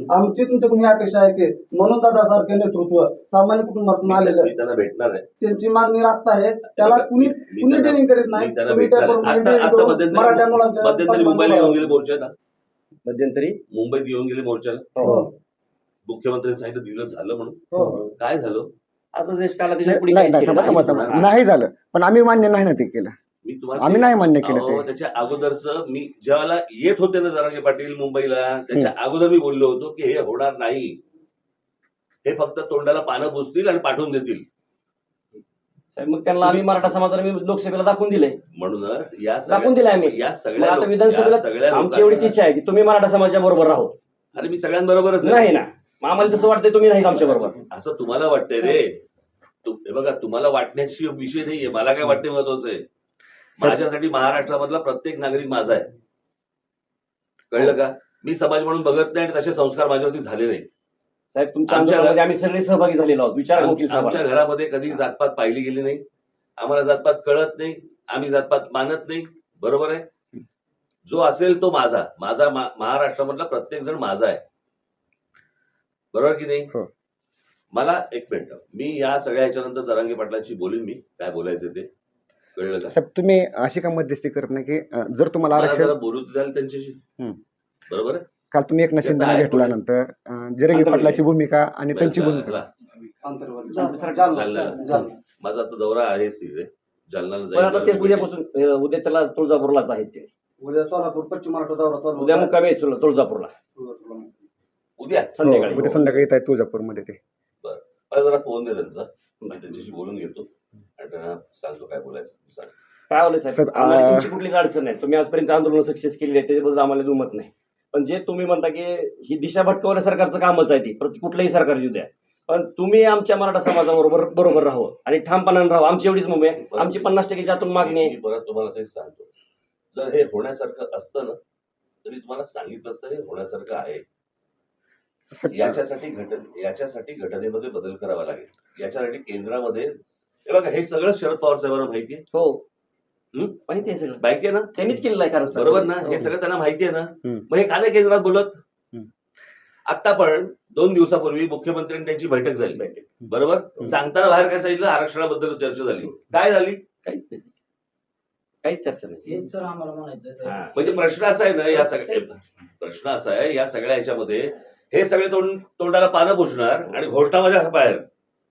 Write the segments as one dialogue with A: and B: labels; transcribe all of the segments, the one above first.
A: आमची तुमच्याकडून ही अपेक्षा आहे की म्हणून दादासारखे नेतृत्व सामान्य कुटुंबातून आलेलं
B: मी त्यांना भेटणार आहे.
A: त्यांची मागणी रास्त आहे, त्याला कुणी डेअरिंग करीत नाही. तुम्ही त्याप्रमाणे डेअरिंग करून मराठा मुलांच्या
B: मध्यंतरी मुंबईला येऊन गेले मोर्चाला,
C: मध्यंतरी
B: मुंबईत येऊन गेले मोर्चाला.
A: हो.
B: मुख्यमंत्र्यांनी सांगितलं दिलं झालं म्हणून.
A: हो.
B: काय झालं?
C: आता देश काला
D: नाही पण आम्ही मान्य नाही ना ते केलं.
B: मी तुम्हाला
D: आम्ही नाही मान्य केलं ते.
B: त्याच्या अगोदरच मी ज्यावेळेला येत होते ना जरांगे पाटील मुंबईला, त्याच्या अगोदर मी बोललो होतो की हे होणार नाही, हे फक्त तोंडाला पानं पुसतील आणि पाठवून देतील.
C: मग त्यांना आम्ही मराठा समाजाला लोकसभेला दाखवून दिले,
B: म्हणूनच
C: दाखवून दिले आम्ही.
B: या सगळ्या
C: आता विधानसभेला आमची एवढीच इच्छा आहे की तुम्ही मराठा समाजाच्या बरोबर राहो.
B: अरे मी सगळ्यांबरोबरच
C: नाही ना, आम्हाला तसं वाटतंय तुम्ही नाही आमच्या बरोबर.
B: असं तुम्हाला वाटतंय रे. हे बघा, तुम्हाला वाटण्याची विषय नाहीये, मला काय वाटणे महत्वाचं आहे. माझ्यासाठी महाराष्ट्रामधला प्रत्येक नागरिक माझा आहे, कळलं का? मी समाज म्हणून बघत नाही आणि तसे संस्कार माझ्यावरती झाले नाहीत.
C: साहेब तुमच्या आंदोलनामध्ये आम्ही सगळे सहभागी झालेलो आहोत. विचार
B: आमच्या घरामध्ये कधी जातपात पाहिली गेली नाही, आम्हाला जातपात कळत नाही, आम्ही जातपात मानत नाही. बरोबर आहे? जो असेल तो माझा, माझा महाराष्ट्रामधला प्रत्येक जण माझा आहे. बरोबर की नाही? मला एक मिनिट, मी या सगळ्या ह्याच्यानंतर जरांगे पाटलांशी बोलीन, मी काय बोलायचं ते. कळलं का?
D: साहेब तुम्ही अशी का मध्यस्थी करत नाही की जर तुम्हाला आरक्षण
B: बोलू द्याल त्यांच्याशी, बरोबर आहे?
D: काल तुम्ही एक शिंदेना घेतल्यानंतर जरांगे पाटलाची भूमिका आणि त्यांची भूमिका
B: माझा आता दौरा आहेच तिथे जालन्याला
C: जाईल. उद्यापासून उद्याच्याला तुळजापूरलाच आहेत ते.
A: उद्या सोलापूर पश्चिम महाराष्ट्र दौरा चालू.
C: उद्या मुक्कामी आहे तुळजापूरला.
B: उद्या
D: संध्याकाळी येत आहे तुळजापूरमध्ये ते.
B: बरं, मला जरा फोन दे त्यांचा, मी त्यांच्याशी बोलून घेतो आणि त्यांना सांगतो काय बोलायचं.
C: काय होलं साहेब, आम्हाला तुमची कुठलीच अडचण नाही. तुम्ही आजपर्यंत आंदोलन सक्सेस केली आहे त्याच्याबद्दल आम्हाला दुमत नाही. पण जे तुम्ही म्हणता की ही दिशा भटकवण्या सरकारचं कामच आहे ती, कुठलंही सरकार येऊ द्या, पण तुम्ही आमच्या मराठा समाजाबरोबर राहू आणि ठामपणाने राहू. आमची एवढीच मुंबई, आमची 50% आतून मागणी आहे.
B: परत तुम्हाला तेच सांगतो, जर हे होण्यासारखं असतं ना तरी तुम्हाला सांगितलं असतं हे होण्यासारखं आहे. याच्यासाठी घटनेमध्ये बदल करावा लागेल. याच्यासाठी केंद्रामध्ये हे बघा, हे सगळं शरद पवार साहेबांना माहिती आहे.
C: हो माहिती आहे, सगळं
B: माहिती आहे ना,
C: त्यांनीच केलेलं आहे. कारण
B: बरोबर ना, हे सगळं त्यांना माहिती आहे ना. मग हे का नाही केंद्रात बोलत? आता पण 2 दिवसापूर्वी मुख्यमंत्र्यांनी त्यांची बैठक झाली, बरोबर? सांगताना बाहेर काय सांगितलं? आरक्षणाबद्दल चर्चा झाली. काय झाली?
C: काहीच चर्चा नाही.
B: म्हणजे प्रश्न असा आहे ना, प्रश्न असा आहे या सगळ्या ह्याच्यामध्ये हे सगळे तोंडाला पानं पुसणार आणि घोषणा माझ्या बाहेर.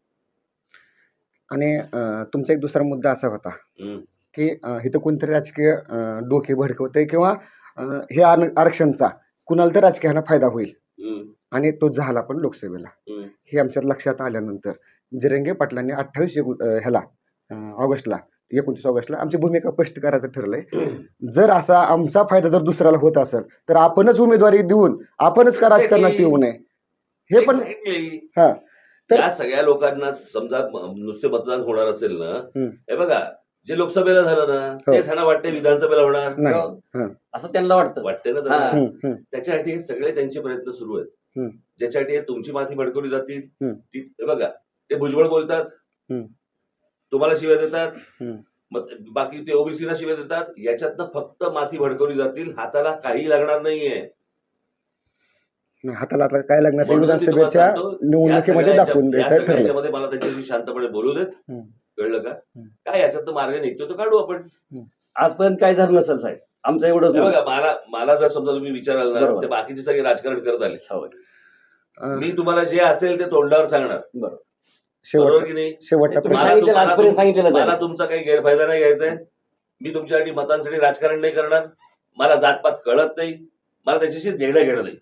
D: आणि तुमचा एक दुसरा मुद्दा असा होता की इथं कोणतरी राजकीय डोके भडकवतंय किंवा हे आरक्षणचा कुणाला तर राजकीयाला फायदा होईल, आणि तो झाला पण लोकसभेला. हे आमच्या लक्षात आल्यानंतर जरांगे पाटलांनी 29 ऑगस्टला 29 ऑगस्टला आमची भूमिका स्पष्ट करायचं ठरलंय. जर असा आमचा फायदा जर दुसऱ्याला होत असेल तर आपणच उमेदवारी देऊन आपणच का राजकारणात येऊ नये, हे पण.
B: तर या सगळ्या लोकांना समजा नुसते मतदान होणार असेल ना, हे बघा जे लोकसभेला झालं ना तेच ह्यांना वाटते विधानसभेला होणार
C: असं त्यांना वाटते
B: ना त्यांना. त्याच्यासाठी हे सगळे त्यांचे प्रयत्न सुरू आहेत, ज्याच्यासाठी तुमची माती भडकवली जातील. हे बघा, ते भुजबळ बोलतात, तुम्हाला शिव्या देतात, बाकी ते ओबीसीला शिव्या देतात. याच्यातनं फक्त माती भडकवली जातील, हाताला काही लागणार नाहीये.
D: हाताला आता काय लागणार विधानसभेच्या निवडणुकीमध्ये दाखवून द्यायचं.
B: मला त्यांच्याशी शांतपणे बोलू देत, कळलं का? काय याच्यात मार्ग निघतो तो काढू आपण.
C: आजपर्यंत काय झालं नसेल साहेब आमचं एवढंच.
B: बघा, मला जर समजा तुम्ही विचाराल ना, ते बाकीचे सगळे राजकारण करत आले, मी तुम्हाला जे असेल ते तोंडावर सांगणार, बरोबर की नाही? मला तुमचा काही गैरफायदा नाही घ्यायचा आहे. मी तुमच्यासाठी मतांसाठी राजकारण नाही करणार. मला जातपात कळत नाही, मला त्याच्याशी देणं घेणं नाही.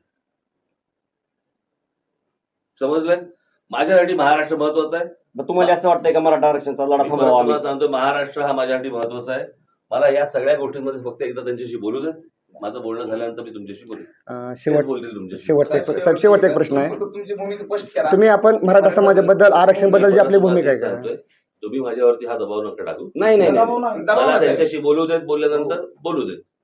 B: समजलं? माझ्यासाठी महाराष्ट्र महत्वाचा आहे.
C: तुम्हाला असं वाटतंय का मराठा आरक्षणाचा लढा थांबवावा?
B: तुम्हाला सांगतो, महाराष्ट्र हा माझ्यासाठी महत्वाचा आहे. मला या सगळ्या गोष्टींमध्ये फक्त एकदा त्यांच्याशी बोलू देत. माझं बोलणं झाल्यानंतर मी तुमच्याशी बोलेन.
D: शेवटचा एक प्रश्न आहे, तुम्ही आपण मराठा समाजाबद्दल आरक्षण बद्दल जी आपली भूमिका आहे,
B: तुम्ही माझ्यावरती हा दबाव नका टाकू.
C: नाही,
B: मला त्यांच्याशी बोलू देत, बोलल्यानंतर बोलू देत.